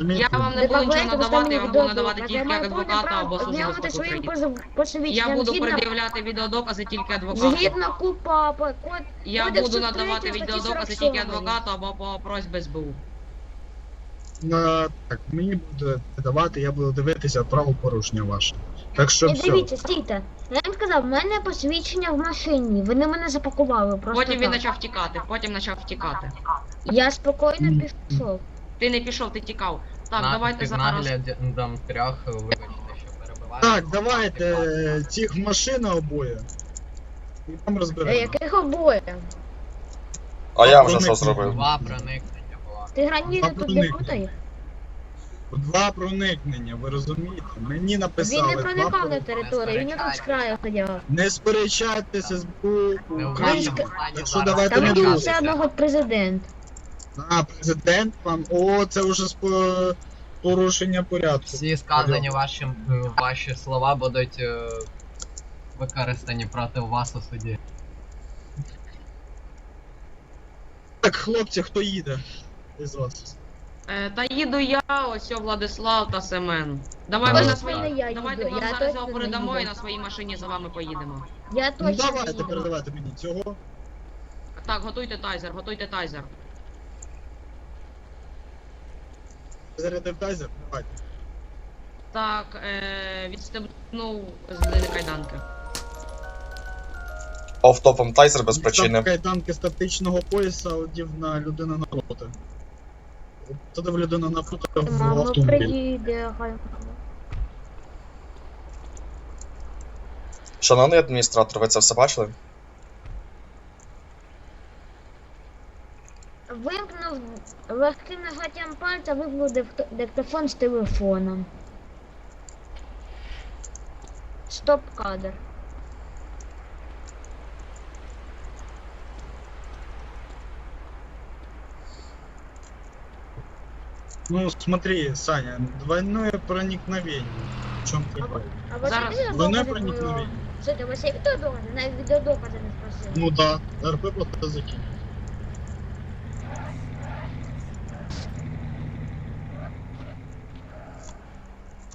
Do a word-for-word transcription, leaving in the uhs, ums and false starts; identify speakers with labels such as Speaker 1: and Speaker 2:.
Speaker 1: розумієте?
Speaker 2: Я вам не буду нічого надавати, я вам буду надавати тільки адвоката або службу безпеки
Speaker 3: своїм
Speaker 2: України.
Speaker 3: посвідченням.
Speaker 2: Я буду
Speaker 3: згідно-
Speaker 2: пред'являти відеодокази тільки адвокату.
Speaker 3: Згідно купа по код.
Speaker 2: Я
Speaker 3: кодексу
Speaker 2: буду
Speaker 3: третього
Speaker 2: надавати
Speaker 3: статті
Speaker 2: відеодокази
Speaker 3: сорок
Speaker 2: тільки
Speaker 3: сьомої.
Speaker 2: адвокату або по просьбі СБУ.
Speaker 1: Е, Так, мені буде давати, я буду дивитися правопорушення ваше. Так що
Speaker 3: Не
Speaker 1: все.
Speaker 3: дивіться, стійте. Я вам сказав, в мене посвідчення в машині. Вони мене запакували просто
Speaker 2: Потім він
Speaker 3: так.
Speaker 2: почав втікати, потім почав втікати.
Speaker 3: Я спокійно
Speaker 1: Мгм.
Speaker 3: пішов.
Speaker 2: Ти не пішов, ти тікав. Так,
Speaker 4: На-
Speaker 2: давайте
Speaker 4: під
Speaker 2: зараз.
Speaker 4: наглядом трьох, вибачте, що перебиваю.
Speaker 1: Так, давайте е, цих машин обоє. І там
Speaker 3: Е,
Speaker 1: розберемо.
Speaker 3: Яких обоє?
Speaker 5: А я вже
Speaker 1: Проникнення.
Speaker 5: що зробив?
Speaker 4: Два проникнення було.
Speaker 3: Ти граніти
Speaker 1: Два
Speaker 3: тут не
Speaker 1: проникнення.
Speaker 3: путай?
Speaker 1: Два проникнення, ви розумієте? Мені написали.
Speaker 3: Він не
Speaker 1: два
Speaker 3: проникав на
Speaker 1: проникнення.
Speaker 3: територію, він тут з краю ходив.
Speaker 1: Не сперечайтеся з боку
Speaker 4: Не в
Speaker 1: України.
Speaker 4: вашому стані
Speaker 1: Якщо
Speaker 4: зараз
Speaker 1: давайте
Speaker 3: Там
Speaker 1: не
Speaker 3: був
Speaker 1: друзі.
Speaker 3: все одного президент.
Speaker 1: А, президент вам. О, це вже спо- порушення порядку.
Speaker 4: Всі сказані ваші, ваші слова будуть е, використані проти вас у суді.
Speaker 1: Так, хлопці, хто їде із вас?
Speaker 2: Е, та їду я, ось о, Владислав та Семен. Давай ми
Speaker 1: Давай.
Speaker 2: на свої.
Speaker 3: Не я
Speaker 2: Давайте
Speaker 3: їду,
Speaker 2: ми
Speaker 3: я
Speaker 2: зараз
Speaker 3: точно
Speaker 2: його
Speaker 3: не
Speaker 2: передамо і
Speaker 3: їду.
Speaker 2: на своїй машині за вами поїдемо.
Speaker 3: Я
Speaker 1: Ну
Speaker 3: точно не
Speaker 1: давайте,
Speaker 3: їду.
Speaker 1: передавайте мені цього.
Speaker 2: Так, готуйте тайзер, готуйте тайзер.
Speaker 1: Зарядив тайзер? Давайте.
Speaker 2: Так, е, відстебнув з людини кайданки.
Speaker 5: Офтопом тайзер без причини.
Speaker 1: Там кайданки статичного пояса одів на людину напроти. Туди в людину напроти в
Speaker 3: Мамо
Speaker 1: автомобіль.
Speaker 3: приїде, хай.
Speaker 5: Шановний адміністратор, ви це все бачили?
Speaker 3: Вимкнув легким нажаттям пальця, вимкнув дик- диктофон з телефоном. Стоп кадр.
Speaker 1: Ну смотри, Саня, двойное проникновение. В чем
Speaker 3: А,
Speaker 1: прикол?
Speaker 3: ви- а у вас
Speaker 2: Зараз.
Speaker 3: є
Speaker 1: Двойное
Speaker 3: відеодокази про...
Speaker 1: проникновение.
Speaker 3: Слухайте, у вас є відеодокази? Навіть відеодокази не спросили.
Speaker 1: Ну да, РП просто закинь.